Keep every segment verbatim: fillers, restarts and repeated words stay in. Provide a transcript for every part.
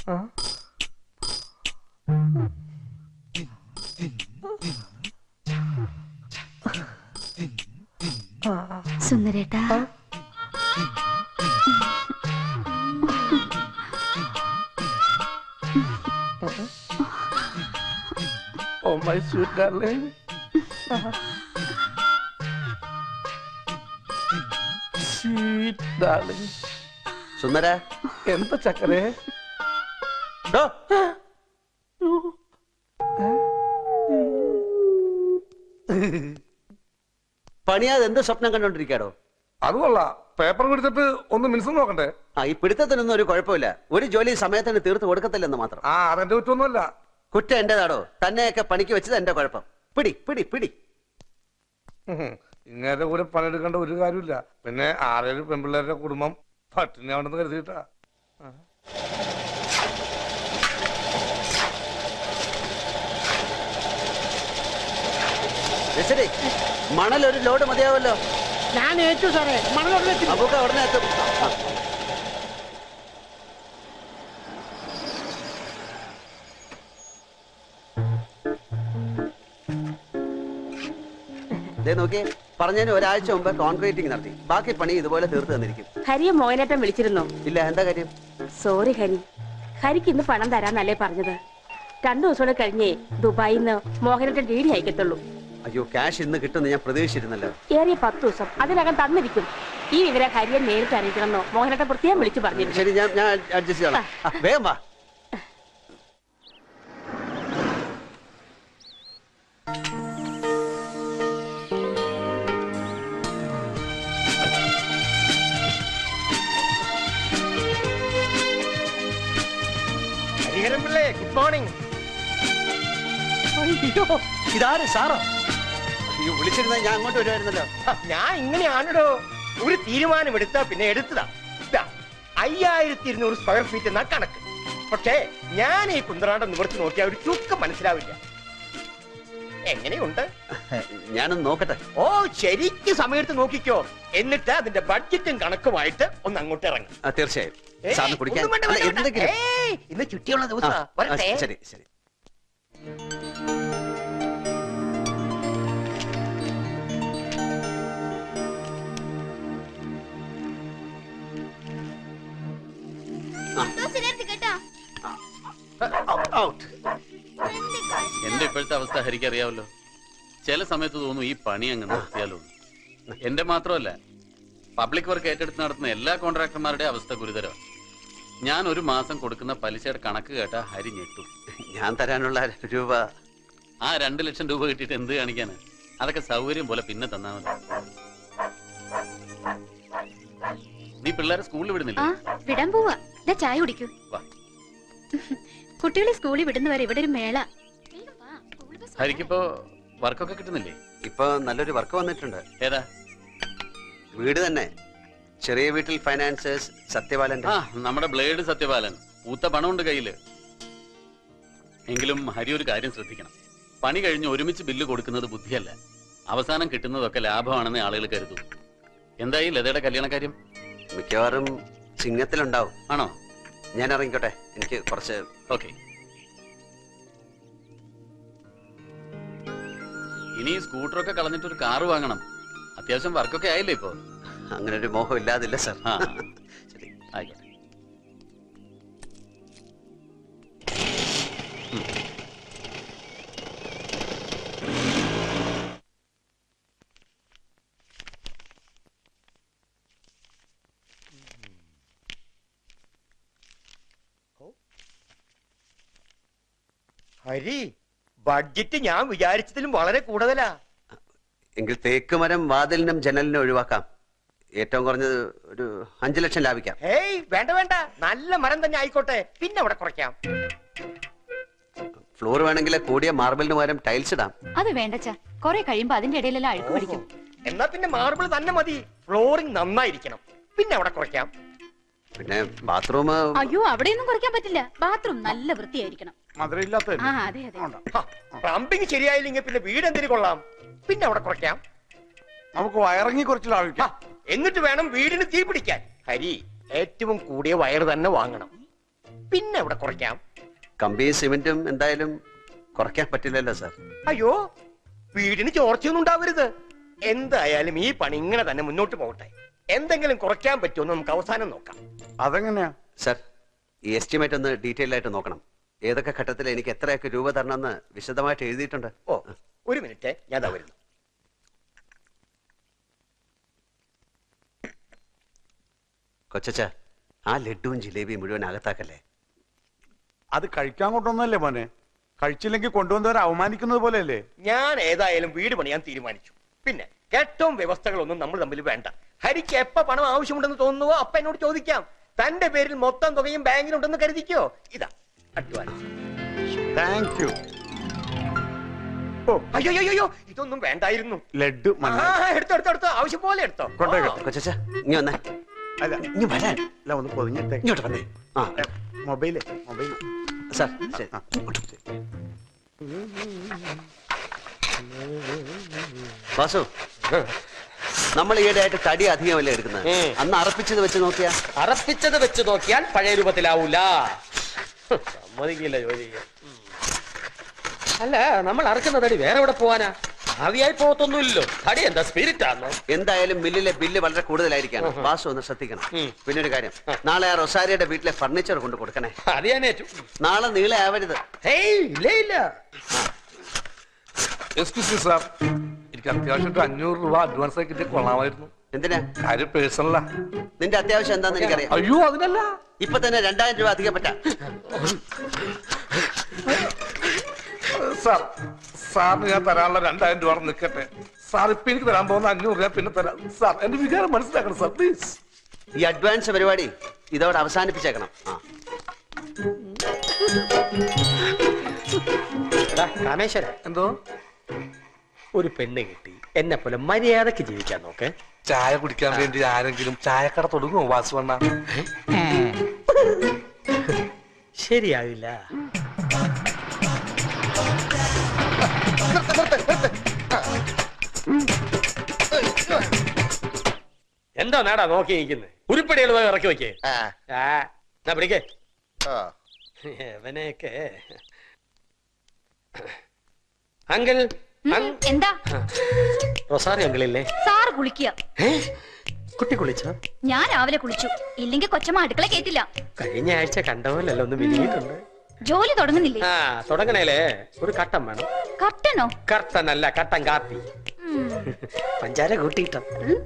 സുന്ദരേട്ടാ, Oh my sweet darling. Sweet darling. സുന്ദര, എന്താ ചക്കരേ? പണിയാതെ എന്ത് സ്വപ്നം കണ്ടോണ്ടിരിക്കാടോ? അത് കൊള്ളാം. പേപ്പർ പിടിച്ചിട്ട് ഒന്ന് മിനിസം നോക്കണ്ടേ? ആ, ഈ പിടുത്തത്തിനൊന്നും ഒരു കുഴപ്പമില്ല. ഒരു ജോലി സമയത്തിന് തീർത്ത് കൊടുക്കത്തില്ലെന്ന് മാത്രം. ആ, അതെന്റെ കുറ്റമൊന്നുമല്ല. കുറ്റം എന്റേതാടോ. തന്നെയൊക്കെ പണിക്ക് വെച്ചത് എന്റെ കുഴപ്പം. പിടി പിടി പിടി. ഇങ്ങേരുടെ കൂടെ പണിയെടുക്കേണ്ട ഒരു കാര്യമില്ല. പിന്നെ ആറേഴ് പെൺപിള്ളേരുടെ കുടുംബം പട്ടിണി ആവണമെന്ന് കരുതിയിട്ടാ. മണൽ ഒരു ലോഡ് മതിയാവല്ലോ. ഞാൻ ഏറ്റു സാറേ, മണൽ ഉടനെ നമുക്ക് ഉടനെ എത്തും. നോക്കിയേ, പറഞ്ഞതിന് ഒരാഴ്ച മുമ്പ് കോൺക്രീറ്റിംഗ് നടത്തി. ബാക്കി പണി ഇതുപോലെ തീർത്ത് തന്നിരിക്കും. ഹരിയെ മോഹനേട്ടൻ വിളിച്ചിരുന്നോ? ഇല്ല. എന്താ കാര്യം? സോറി ഹരി, ഹരിക്ക് ഇന്ന് പണം തരാന്നല്ലേ പറഞ്ഞത്. രണ്ടു ദിവസം കൂടെ കഴിഞ്ഞേ ദുബായിൽ നിന്ന് മോഹനേട്ടൻ ഡി ഡി അയക്കത്തുള്ളൂ. അയ്യോ, ക്യാഷ് ഇന്ന് കിട്ടുമെന്ന് ഞാൻ പ്രതീക്ഷിച്ചിരുന്നല്ലോ. ഏറിയ പത്ത് ദിവസം അതിനകം തന്നിരിക്കും. ഈ വിവരം ഹരിയെ നേരിട്ട് അറിയിക്കണമെന്നോ മോഹനേട്ടൻ പ്രത്യേകം വിളിച്ചു പറഞ്ഞിരുന്നു. ശരി, ഞാൻ ഞാൻ അഡ്ജസ്റ്റ് ചെയ്യാം. വേഗം വാ. Good morning. ഇതാര് സാറോ? അയ്യോ, വിളിച്ചിരുന്ന ഞാൻ അങ്ങോട്ട് വരുമായിരുന്നല്ലോ. ഞാൻ ഇങ്ങനെയാണല്ലോ, ഒരു തീരുമാനം എടുത്താ പിന്നെ എടുത്തതാ. അയ്യായിരത്തി ഇരുന്നൂറ് സ്ക്വയർ ഫീറ്റ് എന്നാ കണക്ക്. പക്ഷേ ഞാൻ ഈ കുന്തറാണ്ടം നിവർത്തി നോക്കിയാൽ ഒരു ചുക്കം മനസ്സിലാവില്ല. എങ്ങനെയുണ്ട്? ഞാനൊന്ന് നോക്കട്ടെ. ഓ, ശരിക്ക് സമയത്ത് നോക്കിക്കോ. എന്നിട്ട് അതിന്റെ ബഡ്ജറ്റും കണക്കുമായിട്ട് ഒന്ന് അങ്ങോട്ട് ഇറങ്ങും. തീർച്ചയായും. ഇന്ന് ചുറ്റിയുള്ള ദിവസം. ശരി ശരി. എന്റെ ഇപ്പോഴത്തെ അവസ്ഥ ഹരിക്ക് അറിയാമല്ലോ. ചില സമയത്ത് തോന്നും ഈ പണി അങ്ങ് നിർത്തിയാലോ. എന്റെ മാത്രമല്ല, പബ്ലിക് വർക്ക് ഏറ്റെടുത്ത് നടത്തുന്ന എല്ലാ കോൺട്രാക്ടർമാരുടെ അവസ്ഥ ഗുരുതരമാണ്. ഞാൻ ഒരു മാസം കൊടുക്കുന്ന പലിശയുടെ കണക്ക് കേട്ട ഹരി ഞെട്ടും. ഞാൻ തരാനുള്ള രൂപ ആ രണ്ടു ലക്ഷം രൂപ കിട്ടിയിട്ട് എന്ത് കാണിക്കാന്? അതൊക്കെ സൗകര്യം പോലെ പിന്നെ തന്നാ മതി. നീ പിള്ളേരെ സ്കൂളിൽ വിടുന്നില്ല? വിടാൻ പോവാ. ചായ കുടിക്കൂ. കുട്ടികളെ സ്കൂളിൽ വിടുന്നവരെ ഇവിടെ ഒരു മേള. ഹരിക്കിപ്പോ വർക്കൊക്കെ കിട്ടുന്നില്ലേ? ഇപ്പൊ നല്ലൊരു വർക്ക് വന്നിട്ടുണ്ട്. ഏതാ? വീട് തന്നെ. ചെറിയ വീട്ടിൽ ഫൈനാൻസേഴ്സ് സത്യപാലന്റെ. ആ, നമ്മുടെ ബ്ലേഡ് സത്യപാലൻ. പൂത്ത പണമുണ്ട് കയ്യില്. എങ്കിലും ഹരി ഒരു കാര്യം ശ്രദ്ധിക്കണം. പണി കഴിഞ്ഞ് ഒരുമിച്ച് ബില്ല് കൊടുക്കുന്നത് ബുദ്ധിയല്ല. അവസാനം കിട്ടുന്നതൊക്കെ ലാഭമാണെന്ന് ആളുകൾ കരുതും. എന്തായി ലതയുടെ കല്യാണ കാര്യം? മിക്കവാറും ചിങ്ങത്തിലുണ്ടാവും. ആണോ? ഞാൻ ഇറങ്ങിക്കോട്ടെ, എനിക്ക് കുറച്ച്. ഓക്കെ. ഇനി സ്കൂട്ടറൊക്കെ കളഞ്ഞിട്ട് ഒരു കാറ് വാങ്ങണം. അത്യാവശ്യം വർക്കൊക്കെ ആയില്ലേ ഇപ്പോ? അങ്ങനെ ഒരു മോഹം ഇല്ലാതില്ല സർ. ശരി, ആയിക്കോട്ടെ. ഹരി, ബഡ്ജറ്റ് ഞാൻ വിചാരിച്ചതിലും വളരെ കൂടുതലാ. എങ്കിൽ തേക്ക് മരം വാതിലിനും ജനലിനും ഒഴിവാക്കാം. ഏറ്റവും കുറഞ്ഞത് ഒരു അഞ്ചു ലക്ഷം ലാഭിക്കാം. ഏയ് വേണ്ട വേണ്ട, നല്ല മരം തന്നെ ആയിക്കോട്ടെ. പിന്നെ അവിടെ കുറയ്ക്കാം. ഫ്ലോർ വേണമെങ്കിൽ കൂടിയ മാർബിളിന് പകരം ടൈൽസ് ഇടാം. അത് വേണ്ടച്ചാ, കൊറേ കഴിയുമ്പോ അതിന്റെ ഇടയിലെല്ലാം അഴുക്ക് പിടിക്കും. എന്നാ പിന്നെ മാർബിൾ തന്നെ മതി. ഫ്ലോറിംഗ് നന്നായിരിക്കണം. പിന്നെ അവിടെ കുറയ്ക്കാം. പിന്നെ ബാത്റൂം. അയ്യോ, അവിടെയൊന്നും കുറയ്ക്കാൻ പറ്റില്ല. ബാത്റൂം നല്ല വൃത്തിയായിരിക്കണം. പ്ലംബിംഗ് ശരിയായില്ലെങ്കിൽ പിന്നെ വീട് എന്തിനു കൊള്ളാം. പിന്നെ അവിടെ കുറയ്ക്കാം. നമുക്ക് വയറിങ്ങി കുറച്ച് ലാഭിക്കാം. എന്നിട്ട് വേണം വീടിന് തീ പിടിക്കാൻ. ഹരി, ഏറ്റവും കൂടിയ വയർ തന്നെ വാങ്ങണം. പിന്നെ ഇവിടെ കുറയ്ക്കാം. കമ്പിയും സിമെന്റും എന്തായാലും കുറയ്ക്കാൻ പറ്റില്ലല്ലോ സാർ. അയ്യോ, വീടിന് ചോർച്ചയൊന്നും ഉണ്ടാവരുത്. എന്തായാലും ഈ പണി ഇങ്ങനെ തന്നെ മുന്നോട്ട് പോകട്ടെ. എന്തെങ്കിലും കുറയ്ക്കാൻ പറ്റുമോ നമുക്ക് അവസാനം നോക്കാം. അതെങ്ങനെയാ സാർ, ഈ എസ്റ്റിമേറ്റ് ഒന്ന് ഡീറ്റെയിൽ ആയിട്ട് നോക്കണം. ഏതൊക്കെ ഘട്ടത്തിൽ എനിക്ക് എത്രയൊക്കെ രൂപ തരണമെന്ന് വിശദമായിട്ട് എഴുതിയിട്ടുണ്ട്. ഓ, ഒരു മിനിറ്റ്, ഞാൻ ദാ വരുന്നു. കൊച്ചച്ച, ആ ലഡുവും ജിലേബിയും മുഴുവൻ അകത്താക്കല്ലേ. അത് കഴിക്കാൻ കൊണ്ടുവന്നല്ലേ മോനെ? കഴിച്ചില്ലെങ്കിൽ കൊണ്ടുവന്നവരെ അവമാനിക്കുന്നത് പോലെയല്ലേ? ഞാൻ ഏതായാലും വീട് പണിയാൻ തീരുമാനിച്ചു. പിന്നെ ഏറ്റവും വ്യവസ്ഥകളൊന്നും നമ്മൾ തമ്മിൽ വേണ്ട. ഹരിക്ക് എപ്പ പണം ആവശ്യമുണ്ടെന്ന് തോന്നുന്നുവോ അപ്പ എന്നോട് ചോദിക്കാം. തന്റെ പേരിൽ മൊത്തം തുകയും ബാങ്കിലുണ്ടെന്ന് കരുതിക്കോ. ഇതാ അഡ്വാൻസ്. Thank you. അയ്യോ അയ്യോ, ഇതൊന്നും വേണ്ടായിരുന്നു. ലഡു മണ്ണ ആ, എടുത്തോ എടുത്തോ എടുത്തോ, ആവശ്യം പോലെ എടുത്തോ. കൊണ്ടുപോയി. കൊച്ചച്ച, ഇനി വന്നേ. അല്ല ഇനി വരാൻ. അല്ല ഒന്ന് പൊതിഞ്ഞിട്ടേ. ഇങ്ങോട്ട് വന്നേ. ആ മൊബൈലേ മൊബൈൽ. സാർ, ശരി. ആ. വാസു, നമ്മൾ ഈയിടെയായിട്ട് തടി അധികമല്ലേ എടുക്കുന്നത്? അന്ന് അറപ്പിച്ചത് വെച്ച് നോക്കിയാ അറപ്പിച്ചത് വെച്ച് നോക്കിയാൽ പഴയ രൂപത്തിലാവൂല. സമ്മതിക്കില്ല ജോലി ചെയ്യാൻ. അല്ല, നമ്മൾ അറക്കുന്ന തടി വേറെ എവിടെ പോവാനാ? ആവിയായി പോകത്തൊന്നുമില്ലല്ലോ. തടി എന്താ സ്പിരിറ്റ് ആണോ? എന്തായാലും മില്ലിലെ ബില്ല് വളരെ കൂടുതലായിരിക്കാണ്. വാസു ഒന്ന് ശ്രദ്ധിക്കണം. പിന്നെ ഒരു കാര്യം, നാളെ ആ റൊസാരിയുടെ വീട്ടിലെ ഫർണിച്ചർ കൊണ്ട് കൊടുക്കണേ. അത് ഞാൻ ഏറ്റു. നാളെ നീളെ ആവരുത്. ഹേയ്, ഇല്ല ഇല്ല. എക്സ്ക്യൂസ് മീ സാർ, എനിക്ക് അത്യാവശ്യം ഒരു അഞ്ഞൂറ് രൂപ അഡ്വാൻസ് ആയി കിട്ടിയ കൊള്ളാമായിരുന്നു. എന്തിനാ? കാര്യം പേഴ്സണലാ. നിന്റെ അത്യാവശ്യം എന്താന്ന് എനിക്കറിയാം. അയ്യോ അതിനല്ല, ഇപ്പൊ തന്നെ രണ്ടായിരം രൂപ അധികം പറ്റാ. സാർ സാറിന് ഞാൻ തരാനുള്ള രണ്ടായിരം രൂപ നിൽക്കട്ടെ. സാർ ഇപ്പൊ എനിക്ക് തരാൻ പോകുന്ന അഞ്ഞൂറ് രൂപ പിന്നെ തരാം. സാർ എന്റെ വികാരം മനസ്സിലാക്കണം സാർ, പ്ലീസ്. ഈ അഡ്വാൻസ് പരിപാടി ഇതോടെ അവസാനിപ്പിച്ചേക്കണം. ആ എടാ, കാമേശ്വര, എന്തോ? ഒരു പെണ്ണ് കിട്ടി എന്നെ പോലെ മര്യാദക്ക് ജീവിക്കാൻ നോക്ക്. ചായ കുടിക്കാൻ വേണ്ടി ആരെങ്കിലും ചായക്കട തുടങ്ങുമോ വാസുവണ്ണ? ശരിയാവില്ല. എന്തോ നാടാ നോക്കി നിൽക്കുന്നത്? ഉരുപ്പടികൾ പോയി ഇറക്കി വെക്കേ. ആ പിടിക്കേ അവനെയൊക്കെ. അങ്കിൾ, എന്താ? റൊസാറി അങ്കിളില്ലേ? സാറ് കുളിക്കുക. കുട്ടി കുളിച്ചോ? ഞാൻ രാവിലെ കുളിച്ചു. ഇല്ലെങ്കിൽ കൊച്ചമ്മ അടുക്കള കേട്ടില്ല. കഴിഞ്ഞ ആഴ്ച കണ്ടപോലല്ലോ ഒന്ന് വിരിഞ്ഞിട്ടുണ്ട്. ജോലി തുടങ്ങുന്നില്ലേ? ആ തുടങ്ങണേലേ ഒരു കട്ടൻ വേണം. കട്ടനോ? കർട്ടൻ അല്ല, കട്ടൻ കാപ്പി. പഞ്ചാര കൂട്ടിയിട്ടോ?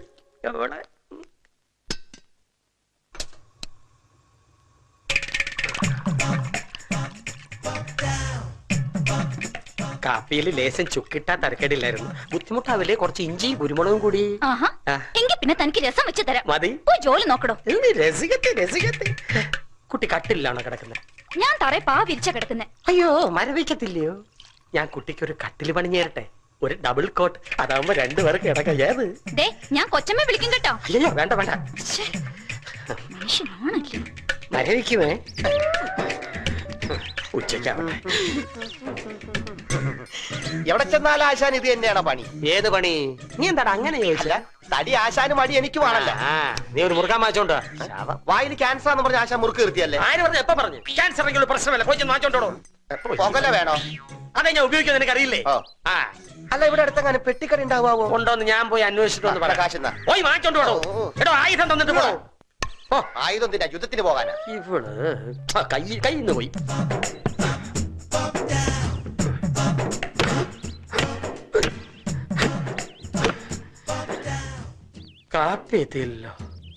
കാപ്പിയിൽ ലേശം ചുക്കിട്ടാ തരക്കേടില്ലായിരുന്നു. ബുദ്ധിമുട്ടാവില്ലേ കുറച്ച് ഇഞ്ചി കുരുമുളകും കൂടി? ആഹാ, എങ്കിൽ പിന്നെ തനിക്ക് രസം വെച്ച് തരാം. മതി. പോയി ജോലി നോക്കടോ. രസികത്തെ രസികത്തെ. കുട്ടി കട്ടിലാണോ കിടക്കുന്നത്? ഞാൻ തറയെ പാ വിരിച്ച കിടക്കുന്നെ. അയ്യോ, മരവിക്കത്തില്ലയോ? ഞാൻ കുട്ടിക്ക് ഒരു കട്ടില് പണിഞ്ഞേരട്ടെ, ഒരു ഡബിൾ കോട്ട്. അതാവുമ്പോ രണ്ടുപേർക്ക് കിടക്കാം. ഏത്? ദേ, ഞാൻ കൊച്ചമ്മ വിളിക്കും കേട്ടോ. അയ്യോ വേണ്ട വേണ്ട. മനുഷ്യനാണല്ലേ. മരവിക്കുമേ. ഉച്ചയ്ക്കാവട്ടെ. എവിടെ ചെന്നാലും ആശാൻ ഇത് തന്നെയാണ് പണി. ഏത് പണി? നീ എന്താടാ അങ്ങനെ ചോദിച്ചാ? തടി ആശാന് മടി എനിക്ക് വേണല്ലോ. നീ ഒരു മുറുക്കാൻ വാങ്ങിച്ചോണ്ടോ? വായിൽ ക്യാൻസർ എന്ന് പറഞ്ഞ ആശാൻ മുറുക്ക് നിർത്തിയല്ലേ? ആര് പറഞ്ഞു? എപ്പ പറഞ്ഞു? ക്യാൻസർ എങ്കിലും പ്രശ്നമല്ല, പോയി വാങ്ങിച്ചോണ്ടോ. പുകല വേണോ? അതെ, ഞാൻ ഉപയോഗിക്കുന്നത് നിനക്ക് അറിയില്ലേ? ഓ. ആ അല്ല, ഇവിടെ അടുത്തെങ്ങനെ പെട്ടിക്കട ഉണ്ടാവാവോ? ഉണ്ടോന്ന് ഞാൻ പോയി അന്വേഷിച്ചിട്ടൊന്ന് പറയാം. കാശെന്നാ പോയി വാങ്ങിച്ചോണ്ടോ. എടോ, ആയുധം തന്നിട്ട് പോ. ആയുധം തിന്നാ യുദ്ധത്തിന് പോകാനാ? ഇവള് കൈ കയ്യിന്ന് പോയി. കാപ്പി എത്തിയില്ലല്ലോ.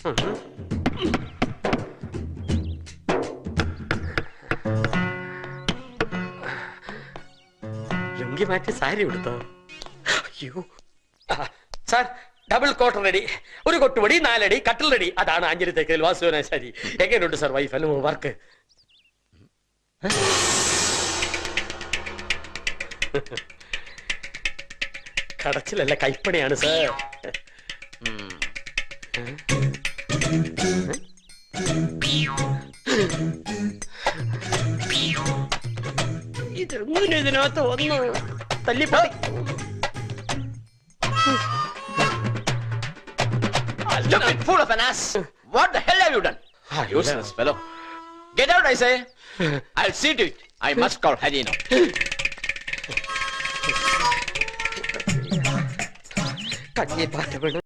ലുങ്കി മാറ്റി സാരി എടുത്തോ? അയ്യോ സാർ, ഡബിൾ കോട്ട് റെഡി, ഒരു കൊട്ടുപടി, നാലടി കട്ടിൽ റെഡി. അതാണ് അഞ്ചരി തേക്കൽ വാസുവിന ശരി. എങ്ങനെയുണ്ട് സാർ വൈഫ് അല്ല വർക്ക്? കടച്ചിലല്ല, കൈപ്പണിയാണ് സാർ. ഇതെങ്ങനെ ഇതിനകത്ത് വന്നു തല്ലിപ്പോ? Stupid fool of an ass! What the hell have you done? Useless fellow. Get out, I say. I'll see to it. I must call Harino. കഞ്ഞി പാട്ട് വീണ്